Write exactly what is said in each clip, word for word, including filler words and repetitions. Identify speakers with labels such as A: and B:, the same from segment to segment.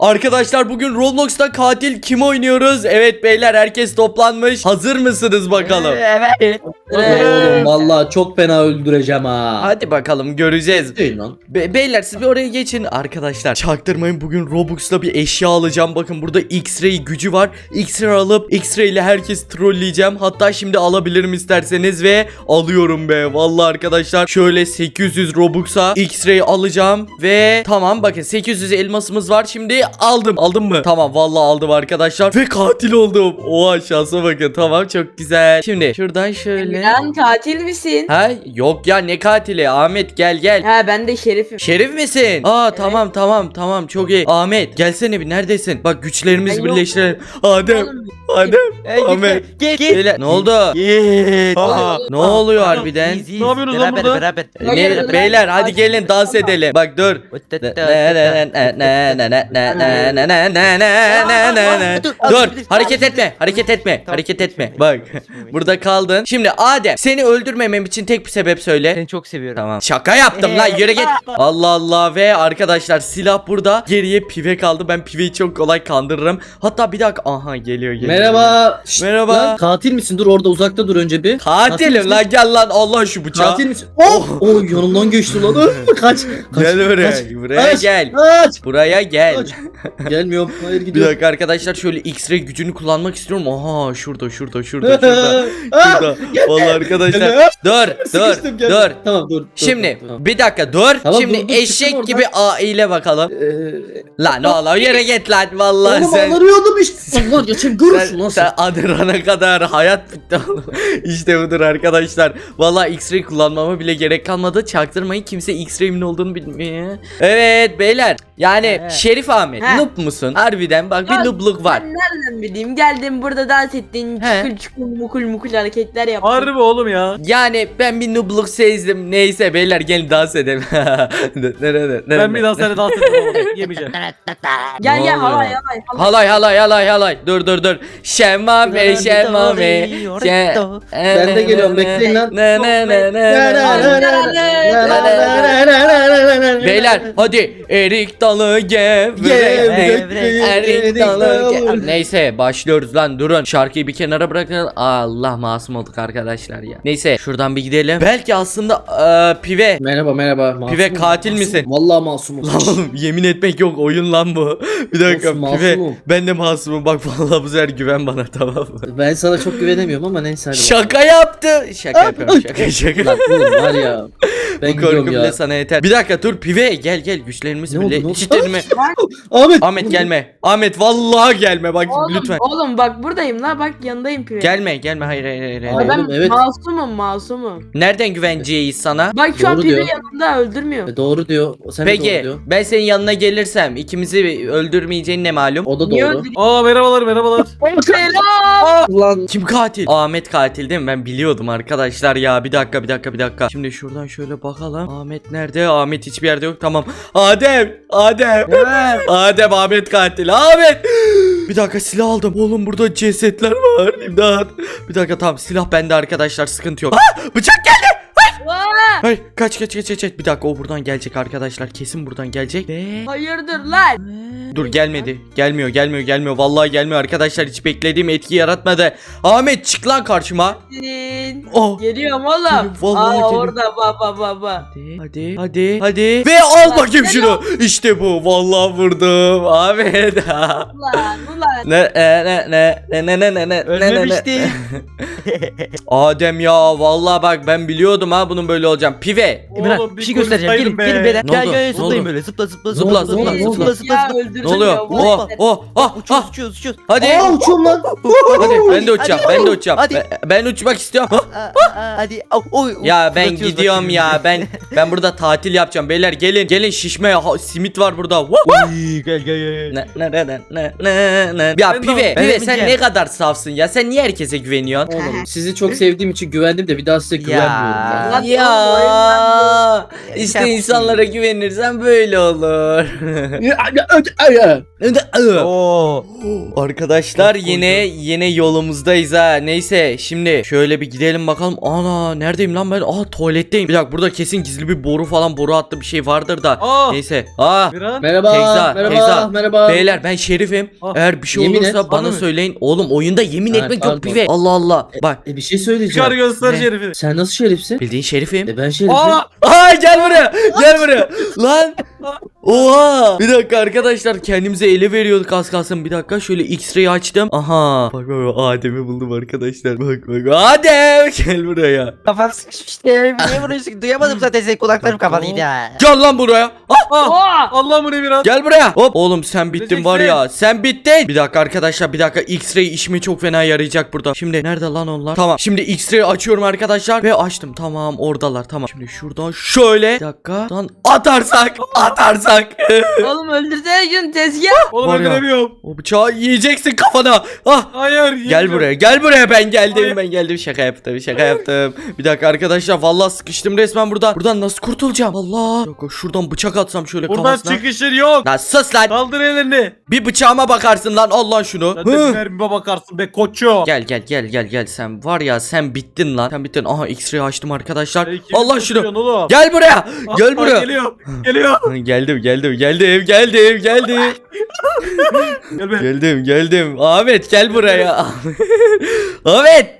A: Arkadaşlar bugün Roblox'ta katil kim oynuyoruz? Evet beyler, herkes toplanmış. Hazır mısınız bakalım?
B: Evet.
C: Oğlum vallahi çok fena öldüreceğim ha.
A: Hadi bakalım, göreceğiz.
C: Değil lan.
A: Be- beyler siz bir oraya geçin. Arkadaşlar çaktırmayın, bugün Robux'la bir eşya alacağım. Bakın burada X-Ray gücü var. X-Ray alıp X-Ray ile herkes trolleyeceğim. Hatta şimdi alabilirim isterseniz ve alıyorum be. Vallahi arkadaşlar şöyle sekiz yüz Robux'a X-Ray alacağım ve tamam, bakın sekiz yüz elmasımız var. Şimdi aldım. Aldım mı? Tamam, vallahi aldım arkadaşlar ve katil oldum. Oha, şansa bakın. Tamam, çok güzel. Şimdi şuradan şöyle.
B: Emirhan katil misin?
A: Ha yok ya, ne katili? Ahmet gel gel.
B: Ha ben de şerifim.
A: Şerif misin? Aa tamam tamam tamam, çok iyi. Ahmet gelsene bir, neredesin? Bak güçlerimizi
B: Ben yok.
A: birleştirelim. Adem.
B: Oğlum,
A: Adem.
D: Hey,
A: Ahmet.
D: git, git.
A: Beyler, ne oldu?
D: Git.
A: Aa, ne oluyor harbiden?
D: İyiyiz,
E: Ne yapıyorsunuz lan
D: beraber,
E: burada?
D: Beraber
B: Hayır,
A: Ne,
B: hayır.
A: beyler hadi gelin dans edelim. Bak dur. Dur, hareket etme, hareket etme, hareket etme. Bak, burada kaldın. Şimdi Adem, seni öldürmemem için tek bir sebep söyle.
D: Seni çok seviyorum.
A: Tamam. Şaka yaptım lan, yürü git. Allah Allah. Ve arkadaşlar silah burada. Geriye pive kaldı. Ben piveyi çok kolay kandırırım. Hatta bir dakika. Aha geliyor geliyor.
C: Merhaba. Şşt,
A: Merhaba.
C: Lan, katil misin? Dur orada uzakta dur önce bir.
A: Katilim
C: misin?
A: lan, gel lan, Allah şu bıçağı.
C: Katil misin? Oh! Oh yanımdan geçti lan. Öf, kaç. Kaç.
A: Gel buraya.
C: Kaç.
A: Buraya
C: Kaç.
A: gel.
C: Kaç.
A: Buraya gel.
C: Kaç. Gelmiyorum. Hayır
A: Bir
C: gidiyorum.
A: dakika arkadaşlar, şöyle X-ray gücünü kullanmak istiyorum. Aha şurada şurada şurada şurada.
C: Ah,
A: Şurada. Vallahi arkadaşlar.
C: Gel.
A: Dur dur
C: Sıkıştım, gel.
A: dur.
C: Tamam dur. dur,
A: Şimdi
C: dur, tamam.
A: bir dakika dur.
C: Tamam,
A: Şimdi
C: dur, dur,
A: eşek
C: çıktım
A: gibi A ile bakalım.
C: Ee,
A: Lan oğlum yere git lan, vallahi
C: Oğlum
A: sen.
C: ağlarıyordum işte. Allah ya sen görürsün
A: Sen,
C: lan
A: sen
C: sen.
A: adırana kadar hayat bitti oğlum. İşte budur arkadaşlar. Vallahi X-Ray kullanmama bile gerek kalmadı. Çaktırmayın, kimse X-Ray'in olduğunu bilmiyor. Evet beyler. Yani
D: Evet.
A: Şerif Ahmet,
B: He.
A: noob musun? Harbiden bak, bir
B: Ya,
A: noobluk var.
B: Ben nereden bileyim? Geldim burada dans ettin.
A: He.
B: Çukul çukul mukul mukul hareketler yaptın.
E: Harbi oğlum ya.
A: Yani ben bir noobluk sezdim. Neyse beyler, gelin dans edelim.
E: Ben bir daha seninle dans etmem oğlum. Yemeyeceğim.
B: Gel
A: Ne
B: gel
A: oluyor?
B: halay halay halay.
A: Halay halay halay halay. Dur dur dur. Şemmame şemmame.
C: Ben de geliyorum, bekleyin lan.
A: Beyler hadi, erik dalı gevrek. Erik dalı ge- Neyse başlıyoruz lan, durun. Şarkıyı bir kenara bırakın. Allah, masum olduk arkadaşlar ya. Neyse şuradan bir gidelim. Belki aslında eee, pive.
C: Merhaba merhaba. Masumum,
A: Pive katil
C: masum.
A: misin?
C: Vallahi masumum.
A: Lan oğlum, yemin etmek yok, oyun lan bu. Bir dakika
C: Olsun,
A: pive.
C: masumum.
A: Ben de masumum, bak vallahi bu sefer güven bana, tamam mı?
C: Ben sana çok güvenemiyorum ama neyse hadi.
A: Şaka yaptı. Şaka yapıyorum, şaka şaka.
C: Lan oğlum var ya. Ben
A: Bu korku
C: gidiyorum
A: bile
C: ya.
A: sana yeter. Bir dakika dur pive, gel gel, güçlerimizi
C: Ne oldu,
A: bile
C: ne oldu?
A: eşitleyelim.
C: Ahmet.
A: Ahmet gelme. Ahmet vallahi gelme bak,
B: Oğlum,
A: lütfen.
B: oğlum bak buradayım la, bak yanındayım pive.
A: Gelme gelme, hayır hayır hayır. hayır.
C: Abi,
B: Ben
C: oğlum, evet.
B: masumum masumum.
A: Nereden güveneceğiz sana?
B: Bak şu an
C: Doğru
B: pive
C: diyor.
B: yanında öldürmüyor.
C: E, Doğru diyor. Sen de doğru
A: Peki
C: diyor.
A: ben senin yanına gelirsem ikimizi öldürmeyeceğin ne malum?
C: O da
B: Niye
C: doğru.
B: öldürüyor?
E: Aa merhabalar merhabalar.
B: Selam.
C: Ulan
A: Kim katil? Ahmet katil değil mi? Ben biliyordum arkadaşlar ya. Bir dakika bir dakika bir dakika. Şimdi şuradan şöyle bakalım. Ahmet nerede? Ahmet hiçbir yerde yok. Tamam. Adem! Adem! Adem Ahmet katil. Ahmet! Bir dakika, silah aldım. Oğlum burada cesetler var. İmdat. Bir dakika, tamam, silah bende arkadaşlar, sıkıntı yok. Ah! Bıçak geldi!
B: Vaa!
A: Hayır, kaç kaç kaç kaç kaç. Bir dakika, o buradan gelecek arkadaşlar. Kesin buradan gelecek. Ve...
B: Hayırdır lan?
A: Dur, gelmedi. Gelmiyor gelmiyor gelmiyor. Vallahi gelmiyor arkadaşlar. Hiç beklediğim etki yaratmadı. Ahmet çık lan karşıma.
B: Senin.
A: Oh.
B: Geliyorum oğlum.
A: Geliyorum, vallahi
B: Aa
A: geliyorum.
B: orada baba baba.
A: Hadi hadi hadi hadi. Ve al bakayım şunu. İşte bu. Vallahi vurdum. Ahmet.
B: Ulan ulan.
A: Ne ne ne ne ne ne ne ne ne
D: Ölmemişti.
A: Adem ya, vallahi bak ben biliyordum ha bunun böyle olacağım. Pive.
D: Emirhan
E: Oğlum,
D: bir
E: bir
D: şey göstereceğim. Gelin
E: konuşsaydın
D: gelin
E: be.
D: beyler.
A: Ne
D: Gel
A: oldu?
D: gel
A: Ne
D: zıplayın
A: oldu?
D: böyle. Zıpla zıpla
A: Zıpla,
D: zıpla
A: zıpla,
D: zıpla
C: zıpla.
D: zıpla
B: Ya
D: zıpla.
B: öldürecek
A: Ne oluyor?
B: ya,
A: Oh
B: vay.
A: oh ah
D: Uçuyoruz
A: ah.
D: uçuyoruz uçuyoruz.
A: Hadi.
C: Aa uçuyorum lan.
A: Hadi ben de uçacağım.
D: Hadi.
A: Ben de uçacağım.
D: Hadi.
A: Ben, ben uçmak istiyorum.
D: Aa, aa, Hadi. Au, oy,
A: Ya ben
D: fırlatıyoruz
A: gidiyorum
D: bak
A: ya. Ben ben burada tatil yapacağım. Beyler gelin. Gelin şişme. Ha, simit var burada. Woo!
D: şimdi. Gel gel gel.
A: Ne ne ne ne ne ne. Ya
E: Ben de-
A: pive,
D: ben
A: pive
D: de
A: sen
D: bineceğim.
A: ne kadar safsın ya. Sen niye herkese güveniyorsun?
C: Oğlum sizi çok sevdiğim için güvendim de bir daha size güvenmiyorum.
D: Ya.
C: Ya.
A: Ya işte insanlara güvenirsen böyle olur.
D: Oo.
A: Arkadaşlar
E: Çok
A: yine yine yolumuzdayız ha. Neyse şimdi şöyle bir gidelim bakalım. Ana neredeyim lan ben? Aa tuvaletteyim. Bir dakika burada kesin gizli bir boru falan boru hattı bir şey vardır da.
E: Aa.
A: Neyse. Aa
E: Miran.
C: Merhaba,
A: Tekza,
C: merhaba,
A: Tekza.
C: merhaba.
A: beyler ben şerifim.
E: Ah,
A: Eğer bir şey
C: yemin
A: olursa
C: et,
A: bana
E: bana mı?
A: söyleyin. Oğlum oyunda yemin
C: Ha,
A: etmek yok
C: pardon.
A: pive. Allah Allah. Bak
C: E bir şey
E: Çıkar
C: söyleyeceğim.
E: göster
A: Ne?
E: şerifi.
C: Sen nasıl şerifsin?
A: bildiğin şerifim.
C: E ben şerifim.
E: Aa.
A: Ay gel buraya. Gel buraya. Lan. Oha. Bir dakika arkadaşlar kendimize ele veriyorduk az kalsın. Bir dakika şöyle X-ray'i açtım. Aha. Bak bak bak, Adem'i buldum arkadaşlar. Bak bak Adem gel buraya.
D: Kafam sıkışmıştı. Niye vuruyorsun? Duyamadım zaten senin kulaklarım kapalıydı ha.
A: Gel lan buraya. Ah,
E: Ah.
B: Oha.
E: Allah mı ne Miran?
A: gel buraya. Hop oğlum sen bittin var ya.
E: Öleceksin.
A: Sen bittin. Bir dakika arkadaşlar bir dakika X-ray işime çok fena yarayacak burada. Şimdi nerede lan onlar? Tamam. Şimdi X-ray'i açıyorum arkadaşlar ve açtım. Tamam oradalar. Tamam. Şimdi şuradan şöyle bir dakika. Şuradan atarsak atarsak.
B: Oğlum öldürsene şunu tezgah.
E: Oğlum
A: Var ya.
E: öldüremiyorum.
A: O bıçağı yiyeceksin kafana. Ah.
E: Hayır.
A: Gel
E: yiyeceğim.
A: buraya gel buraya ben geldim
E: Hayır.
A: ben geldim şaka yaptım şaka yaptım. Bir dakika arkadaşlar vallahi sıkıştım resmen burada. Buradan nasıl kurtulacağım? Allah. Yok yok, şuradan bıçak atsam şöyle
E: Buradan
A: kafasına.
E: çıkışın yok.
A: Lan sus lan.
E: Kaldır ellerini.
A: Bir bıçağıma bakarsın lan al lan şunu.
E: Zaten
A: Hı.
E: mermime bakarsın be koçum.
A: Gel gel gel gel gel sen var ya sen bittin lan. Sen bittin. Aha X-ray açtım arkadaşlar.
E: Sen kimi
A: Allah şunu.
E: tutuyorsun oğlum?
A: Gel buraya.
E: Ah,
A: Gel
E: ah,
A: buraya.
E: Geliyor. Geliyor.
A: Geldim geldim geldim geldim geldim.
E: Gel be.
A: geldim geldim. Ahmet gel buraya. Ahmet.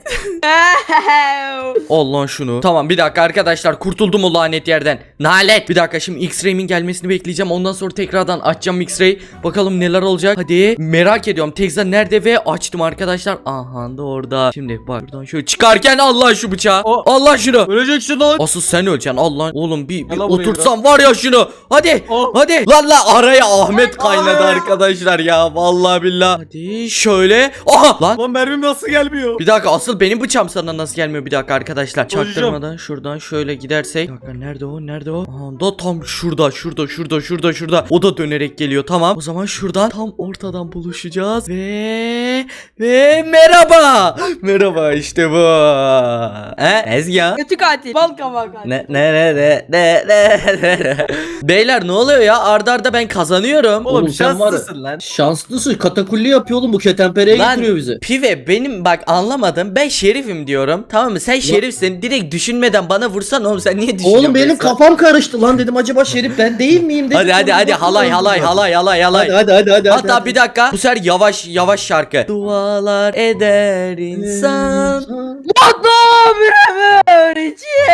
A: Al lan şunu. Tamam bir dakika arkadaşlar kurtuldum o lanet yerden. Nalet. Bir dakika şimdi X-ray'imin gelmesini bekleyeceğim. Ondan sonra tekrardan açacağım X-ray. Bakalım neler olacak. Hadi. Merak ediyorum. Tekza nerede ve açtım arkadaşlar. Aha da orada. Şimdi bak buradan şöyle çıkarken Allah şu bıçağı.
E: O-
A: Allah şunu.
E: Öleceksin lan.
A: Asıl sen öleceksin. Allah oğlum bir, bir
E: Gel lan buraya
A: otursan var ya şunu. Hadi.
E: Oh.
A: Hadi. Lan lan araya Ahmet kaynadı
E: Ay.
A: arkadaşlar ya. Vallahi billahi. Hadi şöyle. Aha lan.
E: Lan mermim nasıl gelmiyor?
A: Bir dakika asıl benim bıçağım sana nasıl gelmiyor bir dakika arkadaşlar.
E: Hocam.
A: Çaktırmadan şuradan şöyle gidersek. Bir dakika nerede o nerede o? Aha da tam şurada şurada şurada şurada şurada. O da dönerek geliyor tamam. O zaman şuradan tam ortadan buluşacağız. Ve ve merhaba. Merhaba işte bu. He Ezgi.
B: Kötü katil. Bal kabağı katil.
A: Ne ne ne ne ne ne ne. Beyler ne oluyor ya? Arda arda ben kazanıyorum.
E: Oğlum,
C: Oğlum sen var ya-
E: şanslısın lan.
C: Şanslısın. Katakulli yapıyor oğlum bu ketenpereye
A: Lan,
C: getiriyor bizi.
A: Pive benim bak anlamadım. Ben şerifim diyorum. Tamam mı? Sen şerifsin. Direkt düşünmeden bana vursan oğlum sen niye düşünüyorsun?
C: Oğlum benim
A: mesela?
C: kafam karıştı lan dedim acaba şerif ben değil miyim dedim.
A: Hadi hadi
C: Sonra
A: hadi
C: baktım,
A: halay
C: lan
A: halay
C: bunlar.
A: halay halay halay.
C: Hadi hadi hadi hadi.
A: Hatta
C: hadi.
A: bir dakika. Bu sefer yavaş yavaş şarkı. Dualar eder insan.
B: Mutlu bir ömür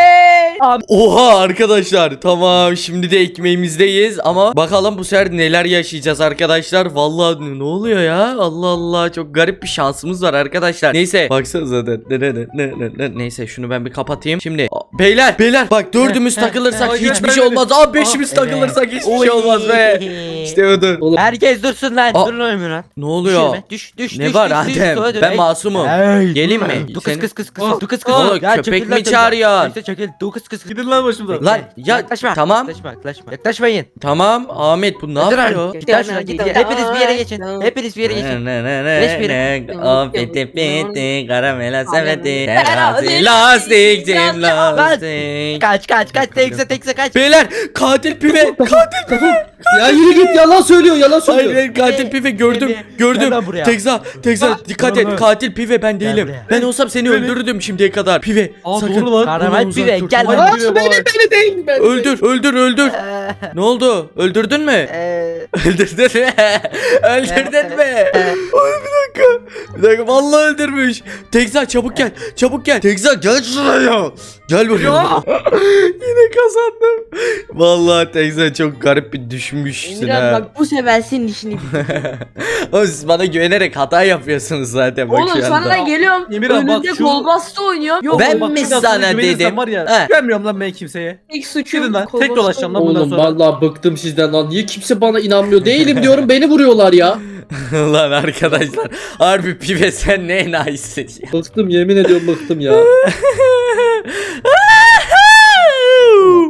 B: için.
A: Oha arkadaşlar. Tamam şimdi de ekmeğimizdeyiz ama bakalım bu sefer neler yaşayacağız arkadaşlar. Vallahi ne oluyor ya? Allah Allah çok garip bir şansımız var arkadaşlar. Neyse baksanıza da. Ne, ne, ne, ne, ne, ne. Neyse şunu ben bir kapatayım. Şimdi a, beyler beyler bak dördümüz takılırsak
E: Ay,
A: hiçbir
E: ben
A: şey
E: de-
A: olmaz. Aa beşimiz
D: evet.
A: takılırsak hiçbir
D: Oy.
A: şey olmaz be. İşte odur.
C: Oğlum,
D: Herkes dursun lan.
A: Aa.
D: Durun oğlum lan.
A: Ne oluyor?
D: Düşürme. Düş düş
A: Ne
D: düş.
A: var
D: düş, düş,
A: Adem?
D: sola dön.
A: Ben
D: Ey.
A: masumum.
D: Ey,
A: Geleyim
D: durma.
A: mi?
D: Du
A: Seni-
D: kız kız kız
E: Oh,
D: kız. Du kız kız.
A: oh,
D: Ya,
A: köpek
D: çekil
A: mi
D: lan,
A: çağırıyorsun?
D: Neyse çekil. Du kız kız.
E: Gidin lan başımdan.
A: Lan ya
D: Yaklaşma.
A: tamam.
D: Yaklaşma yaklaşma. Yaklaşmayın.
A: Tamam Ahmet bu ne
D: Dur
A: yapıyor?
D: lan. Git lan şuna, git. Hepiniz bir yere geçin. Hepiniz bir yere geçin.
A: Ne ne ne
D: Geç bir
A: ne
D: yere.
A: ne o piti piti karamela sepeti
B: Terazi,
A: terazi lastik cim
B: lastik.
A: lastik.
D: Kaç kaç kaç. Tekse tekse kaç.
A: Beyler katil pive katil pive.
C: ya yürü git yalan söylüyor yalan
A: Hayır
C: söylüyor.
A: hayır katil pive gördüm
D: Gel
A: gördüm.
D: lan buraya.
A: Tekza Tekza dikkat
E: Gel
A: et
E: lan.
A: katil pive ben değilim.
D: buraya.
A: Ben olsam seni
E: Beni-
A: öldürürdüm şimdiye kadar. Pive
E: Aa,
A: sakın.
E: doğru lan.
D: Kahraman
A: Ondan uzak
D: pive,
A: dur,
D: gel
A: tamam.
D: lan.
C: Aa, beni beni değil ben.
A: Öldür öldür öldür. Ne oldu? Öldürdün mü?
D: Eee.
A: Öldürdün mü? Öldürdün mü? Ay bir dakika. Bir dakika vallahi öldürmüş. Tekza çabuk gel. Çabuk gel. Tekza gel şuraya. Gel buraya. Yine kazandım. Vallahi Tekza çok garip bir düşmüşsün
B: Emirhan
A: ha.
B: bak bu sefer senin işini bitireceğim.
A: Oğlum siz bana güvenerek hata yapıyorsunuz zaten bak
B: Oğlum
A: şu
B: sana
A: anda.
B: da geliyorum.
E: Emirhan, bak
B: Önünde
E: şu-
B: kolbasta oynuyor. Yok
A: Ben
E: Bak,
A: mi
E: biraz
A: sana
E: sonra güvenirsen
A: dedim?
E: Var ya,
A: He.
E: güvenmiyorum lan ben kimseye.
B: ilk suçum.
E: Gidin lan. Tek
B: kolbasta
E: dolaşacağım lan bundan
C: Oğlum
E: sonra.
C: vallahi bıktım sizden lan. Niye kimse bana inanmıyor? Değilim diyorum beni vuruyorlar ya.
A: Lan arkadaşlar harbi pive sen ne enayisin ya.
C: Bıktım yemin ediyorum bıktım ya.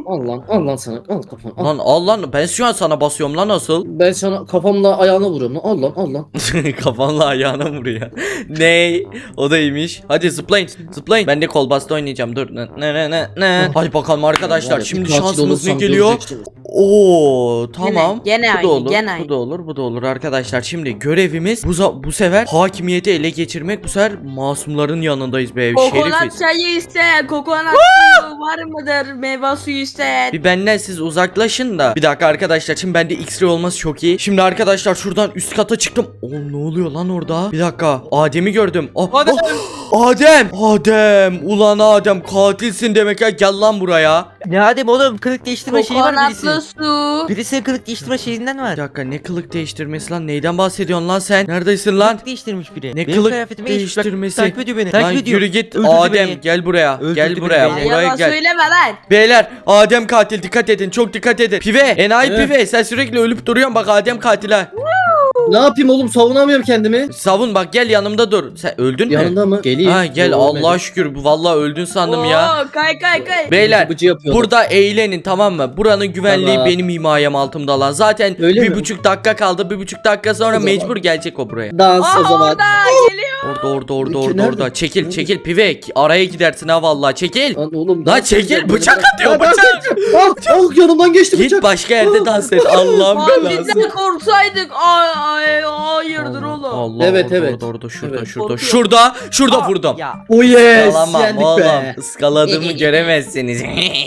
C: al lan al lan sana al kafana al.
A: Lan al lan, ben şu an sana basıyorum lan asıl.
C: Ben sana kafamla ayağına vuruyorum lan al lan al lan.
A: Kafanla ayağına vuruyor. Ney? O da iyiymiş. Hadi zıplayın zıplayın. Ben de kol bastı oynayacağım, dur. Ne ne ne ne. Hadi bakalım arkadaşlar,
C: Var ya,
A: şimdi
C: bir katil
A: şansımız ne
C: olursam
A: geliyor?
C: göreceksiniz.
A: Oo tamam.
B: Gene- gene
A: bu da
B: aynı,
A: olur.
B: gene
A: Bu
B: aynı.
A: da olur. Bu da olur arkadaşlar. Şimdi görevimiz bu, za- bu sefer hakimiyeti ele geçirmek. Bu sefer masumların yanındayız be.
B: Kokonat
A: Şerifiz.
B: çayı isteyen, kokonat suyu var mıdır? Meyve suyu isteyen.
A: Bir benden siz uzaklaşın da. Bir dakika arkadaşlar, şimdi bende X-ray olması çok iyi. Şimdi arkadaşlar şuradan üst kata çıktım. Oğlum ne oluyor lan orada? Bir dakika. Adem'i gördüm. Ah,
E: Adem!
A: ah, Adem! Adem! Ulan Adem, katilsin demek ya. Gel lan buraya.
D: Ne Adem oğlum, kılık değiştirme şeyi var birisi.
B: Kokonatlı su.
D: Birisinin kılık değiştirme şeyinden
A: Bir
D: var.
A: dakika, ne kılık değiştirmesi lan? Neyden bahsediyorsun lan sen? Neredesin lan?
D: Kılık değiştirmiş biri.
A: Ne
D: Benim
A: kılık
D: kıyafetime iş- bak,
A: değiştirmesi?
D: Takip ediyor beni.
A: Lan
D: Takip ediyor.
A: yürü git.
D: Öldürdü
A: Adem
D: beni.
A: gel buraya.
D: Öldürdü
A: gel
D: beni
A: buraya.
D: beyler.
B: Ya
A: Buraya
B: yalan
A: gel.
B: söyleme lan.
A: Beyler, Adem katil, dikkat edin, çok dikkat edin. Pive, enayi
C: Evet.
A: pive, sen sürekli ölüp duruyorsun, bak Adem katil ha.
C: Ne yapayım oğlum, savunamıyorum kendimi.
A: Savun bak, gel yanımda dur. Sen öldün mü?
C: Yanında mı? Geleyim.
A: Ha gel,
C: Yok,
A: Allah'a
C: ölmedim.
A: şükür, bu vallahi öldün sandım ya.
B: Oo, kay kay kay.
A: Beyler,
C: Bıcı yapıyordum.
A: burada eğlenin, tamam mı? Buranın güvenliği
C: Tamam.
A: benim himayem altımda lan. Zaten
C: Öyle
A: bir
C: mi?
A: buçuk dakika kaldı. Bir buçuk dakika sonra
C: O zaman.
A: mecbur gelecek o buraya.
C: Dans
B: Aa,
C: o zaman.
B: orada geliyor.
A: Orada orada orada
C: Peki,
A: orada
C: nerede?
A: orada. Çekil
C: Nerede?
A: çekil pive. Araya gidersin ha vallahi, çekil.
C: Lan oğlum.
A: Lan
C: dans
A: çekil,
C: edeceğim,
A: bıçak
C: beni
A: atıyor,
C: bırak.
A: bıçak.
C: Ah, ah, yanımdan geçti
A: Git
C: bıçak.
A: başka yerde dans et. Allah'ım
B: Abi
A: belası.
B: bizden korksaydık. Ay ay hayırdır oğlum.
A: Allah,
C: Evet,
A: orada,
C: evet.
A: Orada orada şurada
C: Evet.
A: şurada
B: Korkuyorum.
A: şurada şurada vurdum.
D: Ya.
C: Oh yes.
A: Iskalamam
C: Yendik
A: oğlum.
C: be.
A: Iskaladığımı göremezsiniz.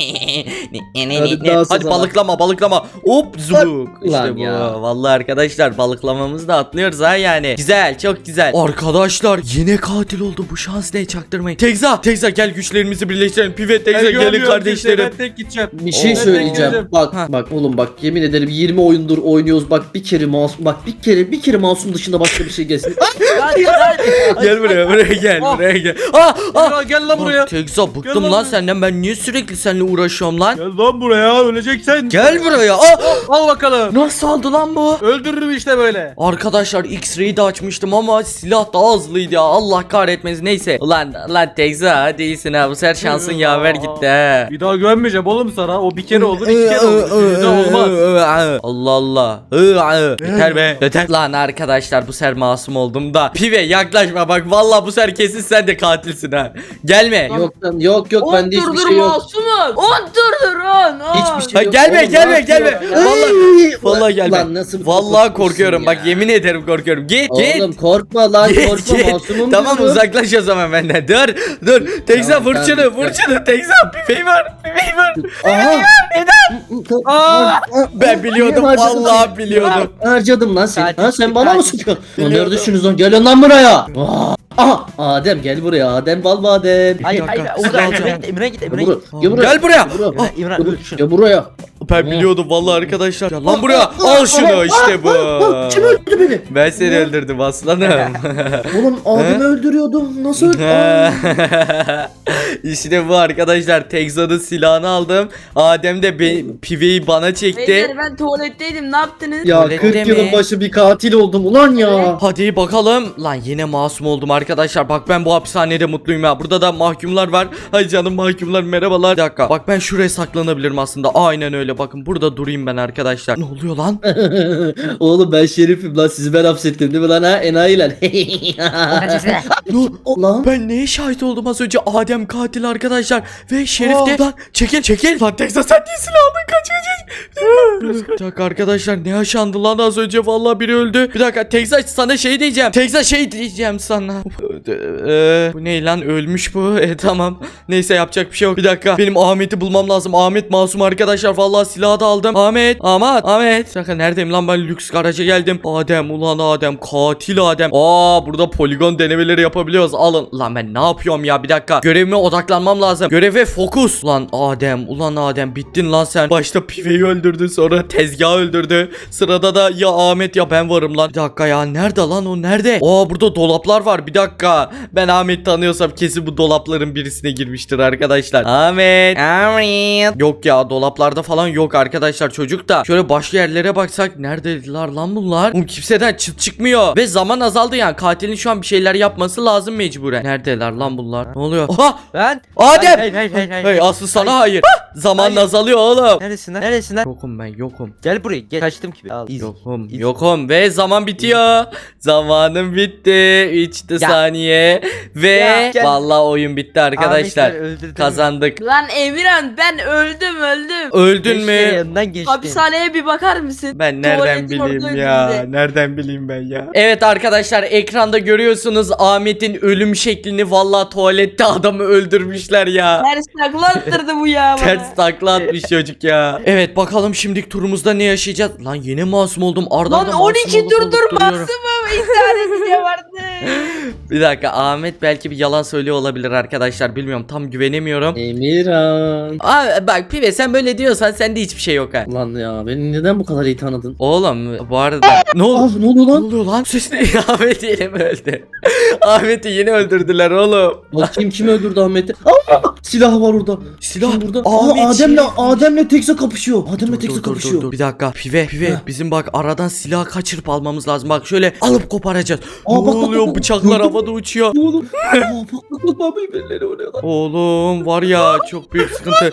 C: Hadi dans o
A: Hadi
C: zaman.
A: balıklama balıklama. Hop zubuk.
C: Ulan
A: İşte bu.
C: ya.
A: Vallahi arkadaşlar, balıklamamızı da atlıyoruz ha yani. Güzel, çok güzel. Arkadaşlar yine katil oldu. Bu şans ne, çaktırmayın. Tekza, Tekza gel güçlerimizi birleştirelim. Pive Tekza gelin
E: güvenmiyorum
A: kardeşlerim.
E: kimseye, Ben tek gideceğim.
C: Bir şey
A: Oo.
C: söyleyeceğim.
E: Bekledim.
C: Bak
A: Ha.
C: bak oğlum bak, yemin ederim yirmi oyundur oynuyoruz. Bak bir kere masum, bak bir kere bir kere masum dışında başka bir şey gelsin. Ah!
D: Hadi hadi.
A: Gel buraya, buraya gel,
E: Ah.
A: buraya gel. Ah, ah.
E: Ya gel lan buraya.
A: Tekza bıktım
E: Gel lan
A: lan
E: buraya.
A: senden. Ben niye sürekli seninle uğraşıyorum lan?
E: Gel lan buraya, öleceksen.
A: Gel buraya. Ah.
E: Al bakalım.
A: Nasıl oldu lan bu?
E: Öldürürüm işte böyle.
A: Arkadaşlar X-ray'i de açmıştım ama silah daha hızlıydı ya. Allah kahretmesin. Neyse. Ulan lan Tekza, hadi iyisin ha. Bu sefer şansın yaver gitti ha.
E: Bir daha güvenmeyeceğim oğlum sana. O bir kere olur, iki kere olur. Bir daha olmaz.
A: Allah Allah. Yeter be. Yeter. Lan arkadaşlar, bu sefer masum oldum da. Pive yaklaşma bak. Vallahi bu sefer kesin sen de katilsin ha. Gelme.
C: Yok lan, yok yok,
B: On
C: bende hiçbir
B: turdur
C: şey yok.
B: masumuz. On turdur on. on.
C: Hiçbir
A: Ha,
C: şey yok.
A: gelme,
C: Oğlum,
A: gelme,
C: ne yapıyor
A: gelme.
C: ya?
A: Vallahi-
C: Ay,
A: Vallahi
C: ulan-
A: gelme.
C: ulan nasıl
A: Vallahi
C: korkutmuşsun
A: korkuyorum.
C: ya.
A: Bak yemin ederim korkuyorum. Git git.
C: Oğlum korkma lan,
A: Git,
C: korkma,
A: git.
C: masumum.
A: Tamam,
C: diyorum.
A: uzaklaş o zaman benden. Dur dur. Tekza
C: Tamam,
A: vur
C: tamam.
A: şunu, vur şunu. Tekza piveyi var. Piveyi var.
C: Aha.
E: Aa!
A: Ben biliyordum,
C: Harcadım
A: vallahi
C: seni.
A: biliyordum.
C: Harcadım lan seni.
D: Katil,
C: Ha sen bana mı
D: katil.
C: sıkıyorsun? Lan
A: Biliyordum.
C: neredesiniz lan? Gelin lan buraya. Aa, Aha Adem gel buraya. Adem bal badem.
D: Hayır
A: dakika,
D: hayır.
A: silah
D: Orada
A: alacağım.
D: Emre git, Emre git, Emre
C: Gel
D: git.
C: buraya. Gel buraya.
A: Gel buraya.
C: Gel buraya.
D: Emre, İmran öl şunu.
C: Gel buraya.
A: Ben biliyordum vallahi arkadaşlar. Gel lan buraya. Al şunu, işte bu.
C: Kim öldürdü beni?
A: Ben seni öldürdüm aslanım.
C: Oğlum Adem'i öldürüyordum. Nasıl öldü? Aa.
A: İşte bu arkadaşlar. Tekza'nın silahını aldım. Adem de be- piveyi bana çekti.
B: Beyler ben tuvaletteydim, ne yaptınız?
C: Ya
A: Tuvalette
C: kırk
A: mi?
C: yılın başı bir katil oldum ulan ya.
A: Hadi bakalım. Lan yine masum oldum arkadaşlar. Bak ben bu hapishanede mutluyum ya. Burada da mahkumlar var. Hay canım mahkumlar, merhabalar. Bir dakika. Bak ben şuraya saklanabilirim aslında. Aynen öyle. Bakın burada durayım ben arkadaşlar. Ne oluyor lan?
C: Oğlum ben şerifim lan, sizi ben hapsettim değil mi lan ha enayiler.
A: Ne?
C: Lan
A: Ben neye şahit oldum az önce? Adem katil arkadaşlar. Ve Şerif de. Lan çekil çekil. Lan Tekza sen niye silah aldın? Kaç kaç kaç. Bir dakika arkadaşlar, ne yaşandı lan az önce? Vallahi biri öldü. Bir dakika Tekza, sana şey diyeceğim. Tekza şey diyeceğim sana. Ee, bu ne lan, ölmüş bu. E tamam. Neyse yapacak bir şey yok. Bir dakika. Benim Ahmet'i bulmam lazım. Ahmet masum arkadaşlar. Vallahi silahı da aldım. Ahmet. Ahmet. Ahmet. Bir dakika neredeyim lan ben? Lüks garaja geldim. Adem ulan Adem. Katil Adem. Aa burada poligon denemeleri yapabiliyoruz. Alın. Lan ben ne yapıyorum ya? Bir dakika. Görevime odaklanmam lazım. Göreve fokus. Lan Adem. Ulan Adem. Bittin lan sen. Başta piveyi öldürdü. Sonra tezgahı öldürdü. Sırada da ya Ahmet ya ben varım lan. Bir dakika ya. Nerede lan o? Nerede? Aa burada dolaplar var. Bir dakika. Ben Ahmet tanıyorsam kesin bu dolapların birisine girmiştir arkadaşlar. Ahmet.
D: Ahmet.
A: Yok ya, dolaplarda falan yok arkadaşlar çocuk da. Şöyle başka yerlere baksak neredeler lan bunlar? Oğlum kimseden çıt çıkmıyor. Ve zaman azaldı yani. Katilin şu an bir şeyler yapması lazım mecburen. Neredeler lan bunlar? Ne oluyor? Oha!
D: Ben.
A: Adem!
D: Hayır hayır hayır hayır.
A: Hey aslı sana hayır. Zaman
D: Hayır.
A: azalıyor oğlum.
D: Neresin lan? Neresin lan?
A: Yokum ben yokum.
D: Gel buraya gel. Kaçtım ki. Al. iz.
A: Yokum
D: İz-
A: yokum ve zaman bitiyor. Zamanım bitti. üç
D: Ya.
A: saniye. Ve
D: Ya, gel.
A: vallahi oyun bitti arkadaşlar.
D: Ahmetler öldürdü
A: Kazandık.
B: Lan Emirhan ben öldüm öldüm.
A: Öldün
D: Beş
A: mü?
D: kere yanından geçtim.
B: Hapishaneye bir bakar mısın?
A: Ben nereden
B: Tuvaletin orada
A: bileyim ya?
B: önünde.
A: Nereden bileyim ben ya? Evet arkadaşlar ekranda görüyorsunuz Ahmet'in ölüm şeklini. Vallahi tuvalette adamı öldürmüşler ya.
B: Ters takla attırdı bu ya bana.
A: Ters takla atmış çocuk ya. Evet bakalım şimdiki turumuzda ne yaşayacağız? Lan yeni masum oldum. Arda
B: Lan on iki turdur maksimum intihar ediyor vardı.
A: Bir dakika Ahmet belki bir yalan söylüyor olabilir arkadaşlar. Bilmiyorum tam güvenemiyorum.
C: Emirhan.
A: Aa, bak Pive sen böyle diyorsan sende hiçbir şey yok ha.
C: Lan ya beni neden bu kadar iyi tanıdın?
A: Oğlum bu arada ne oldu?
C: Ah ne oluyor
A: Ne
C: lan?
A: oluyor lan? Ses ne? Ahmet yine mi öldü? Ahmet'i yeni öldürdüler oğlum.
C: Bakayım kim öldürdü Ahmet'i? Aa, silah var orada.
A: Silah.
C: Kim burada?
A: Ahmet
C: Aa, Adem'le
A: Şerif.
C: Adem'le Tekza kapışıyor. Adem'le
A: Dur,
C: Tekza
A: dur, dur,
C: kapışıyor.
A: dur. Bir dakika Pive Pive
C: Heh.
A: bizim bak aradan silah kaçırıp almamız lazım. Bak şöyle alıp koparacağız.
C: Aa,
A: ne
C: bak, bak,
A: oluyor
C: bak, bak.
A: bıçaklar
C: Gördün mü?
A: havada uçuyor.
C: Ne oğlum? Aa, bak bak bak bak birbirleri oraya.
A: Oğlum var ya çok büyük sıkıntı.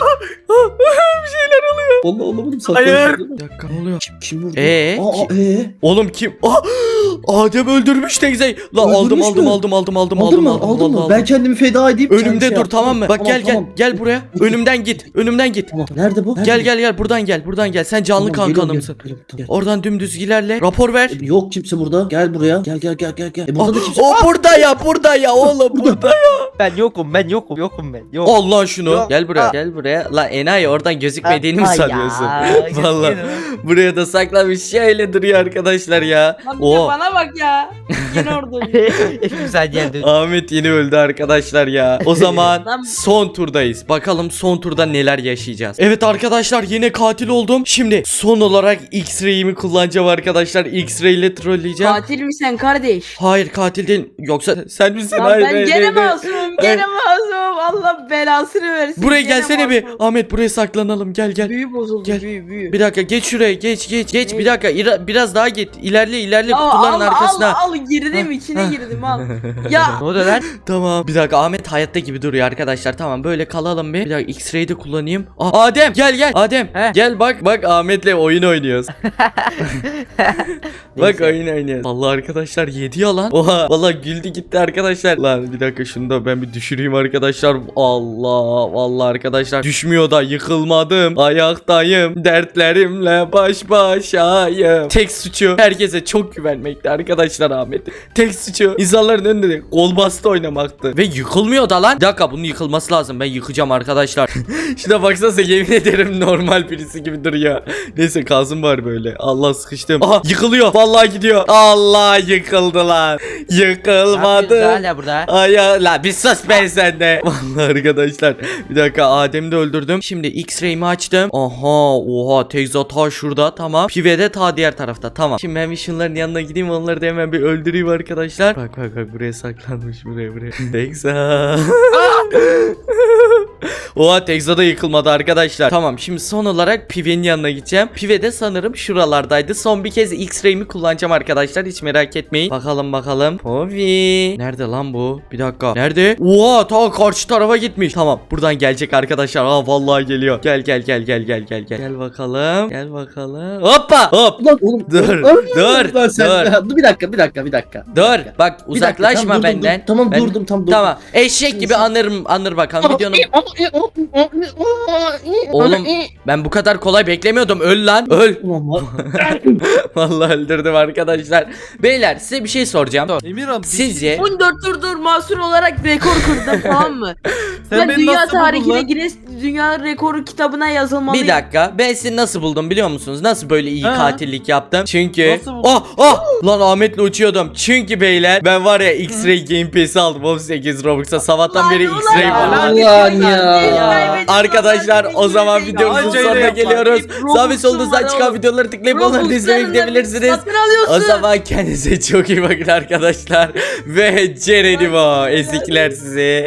C: Allah Allah oğlum
A: Hayır.
C: saklanıyor.
A: Bir dakika ne oluyor?
C: Kim, kim vurdu?
A: Ee?
C: Aa, ee?
A: Oğlum kim? Aa, Adem öldürmüş teyzeyi. La aldım
C: Öldürmüş
A: aldım
C: mü?
A: aldım aldım aldım
C: Aldın
A: aldım
C: mı?
A: aldım
C: Aldın
A: aldım,
C: mı?
A: aldım.
C: Ben kendimi feda edeyim. sen
A: Önümde
C: şey
A: dur
C: yap.
A: tamam mı? Bak
C: Tamam,
A: gel gel
C: tamam.
A: gel buraya. Önümden git. Önümden git.
C: Tamam. Nerede bu? Nerede
A: Gel
C: bu?
A: gel gel buradan gel. Buradan gel. Sen canlı
C: Tamam, geliyorum,
A: kankanımsın.
C: geliyorum, geliyorum, gel.
A: Oradan dümdüz ilerle. Rapor ver.
C: E, Yok kimse burada. Gel buraya. Gel gel gel gel gel. E, burada da kimse.
A: O burada ya burada ya oğlum burada.
D: Ben yokum ben yokum yokum ben. Yok.
A: Al lan şunu.
D: Yok.
A: Gel buraya.
D: Aa.
A: Gel buraya. La enayi oradan gözükmediğini mi
D: Ay ya,
A: sanıyorsun?
D: gözüküyor.
A: Vallahi buraya da saklamış şöyle duruyor arkadaşlar ya.
B: Lan bir de
A: O
B: bana bak ya. Yine orada.
D: Hepimiz aynı yerde.
A: Ahmet yeni öldü arkadaşlar ya. O zaman
B: Lan-
A: son turdayız. Bakalım son turda neler yaşayacağız. Evet arkadaşlar yine katil oldum. Şimdi son olarak X-Ray'imi kullanacağım arkadaşlar. X-Ray ile trolleyeceğim.
B: Katil mi sen kardeş?
A: Hayır katil değil. Yoksa sen misin?
B: Lan
A: Hayır,
B: ben
A: hayır,
B: gene
A: hayır, hayır.
B: masumum gene masumum. Allah belasını versin.
A: Buraya
B: Gene
A: gelsene bir.
B: masumum.
A: Ahmet buraya saklanalım. Gel gel.
B: Büyü bozuldu
A: Gel.
B: büyü büyü.
A: Bir dakika geç şuraya geç geç geç
B: Ne?
A: bir dakika İra- biraz daha git ilerle ilerle
B: Ya
A: kutuların
B: al,
A: arkasına.
B: Al al girdim içine girdim al. Ya
D: Ne oldu lan?
A: Tamam bir dakika Ahmet hayatta gibi duruyor arkadaşlar tamam böyle kalalım bir. Bir dakika X-Ray'i de kullanayım. Aa, Adem gel gel Adem
D: He.
A: gel bak bak Ahmet'le oyun oynuyoruz. Bak
D: Neyse.
A: oyun oynuyoruz. Vallahi arkadaşlar yedi ya lan. Oha vallahi güldü gitti arkadaşlar. Lan bir dakika şunu da ben bir düşüreyim arkadaşlar. Allah vallahi arkadaşlar düşmüyor da yıkılmadım. Ayaktayım dertlerimle baş başayım. Tek suçu herkese çok güvenmekti arkadaşlar Ahmet. Tek suçu insanların önünde de kol bastı oynamaktı. Ve yıkılmıyor da lan. Bir dakika bunun yıkılması lazım. Ben yıkacağım arkadaşlar. Şuna baksanıza yemin ederim normal birisi gibi duruyor. Neyse kalsın var böyle. Allah sıkıştım. Aha yıkılıyor. Vallahi gidiyor. Allah yıkıldı lan.
D: Ne yapıyorsun
A: Yıkılmadı.
D: hala burada?
A: Ay ya la bir sus ben sende. Vallahi arkadaşlar. Bir dakika Adem'i de öldürdüm. Şimdi X-Ray'imi açtım. Aha oha Tekza ta şurada tamam. Pive de ta diğer tarafta tamam. Şimdi ben bir şunların yanına gideyim onları da hemen bir öldüreyim arkadaşlar. Bak bak bak buraya saklanmış buraya buraya. Tekza. Oha Tekza da yıkılmadı arkadaşlar. Tamam şimdi son olarak Pive'nin yanına gideceğim. Pive de sanırım şuralardaydı. Son bir kez X-Ray'imi kullanacağım arkadaşlar. Hiç merak etmeyin. Bakalım bakalım. Povi. Nerede lan bu? Bir dakika. Nerede? Oha ta karşı tarafa gitmiş. Tamam buradan gelecek arkadaşlar. Aa vallahi geliyor. Gel gel gel gel gel gel gel. Gel bakalım. Gel bakalım. Hoppa hop.
C: Ulan oğlum.
A: Dur,
C: Dur.
A: dur,
C: Lan sen-
A: dur.
C: Dur bir dakika bir dakika bir dakika.
A: Dur.
C: Bir dakika.
A: Bak
C: Bir dakika,
A: uzaklaşma
C: tamam, durdum,
A: benden.
C: durdum. Tamam
A: Ben-
C: durdum tam durdum.
A: Tamam. Eşek gibi anırım anır bakalım videonun. Oğlum ben bu kadar kolay beklemiyordum. Öl lan. Öl.
C: Ulan var.
A: Vallahi öldürdüm arkadaşlar. Beyler size bir şey soracağım.
E: Emirhan
A: Sizce
B: on dört turdur masum olarak rekor kırdım tamam mı?
E: sen
B: Ben
E: beni
B: dünya
E: nasıl buldun
B: tarihine
E: lan?
B: Guinness Dünya Rekoru kitabına yazılmalıyım.
A: bir dakika ben sizi nasıl buldum biliyor musunuz? Nasıl böyle iyi
E: Ha.
A: katillik yaptım? Çünkü
E: Nasıl buldun?
A: oh oh lan Ahmet'le uçuyordum. Çünkü beyler ben var ya X-Ray Game Pass'i aldım on sekiz Robux'a. Sabahtan beri
B: Ulan,
A: X-Ray
B: ulan,
A: var.
C: Ulan ya.
A: Arkadaşlar o zaman videomuzun
E: Acele
A: sonuna
E: yapma.
A: geliyoruz.
B: Robux'um
A: Sağ ve solunuzdan
B: var
A: çıkan
B: oğlum.
A: videoları tıklayıp onları da izlemeye gidebilirsiniz.
B: Satın alıyorsun.
A: O zaman kendinize çok iyi bakın arkadaşlar. Ve Ceren'im o ezikler sizi.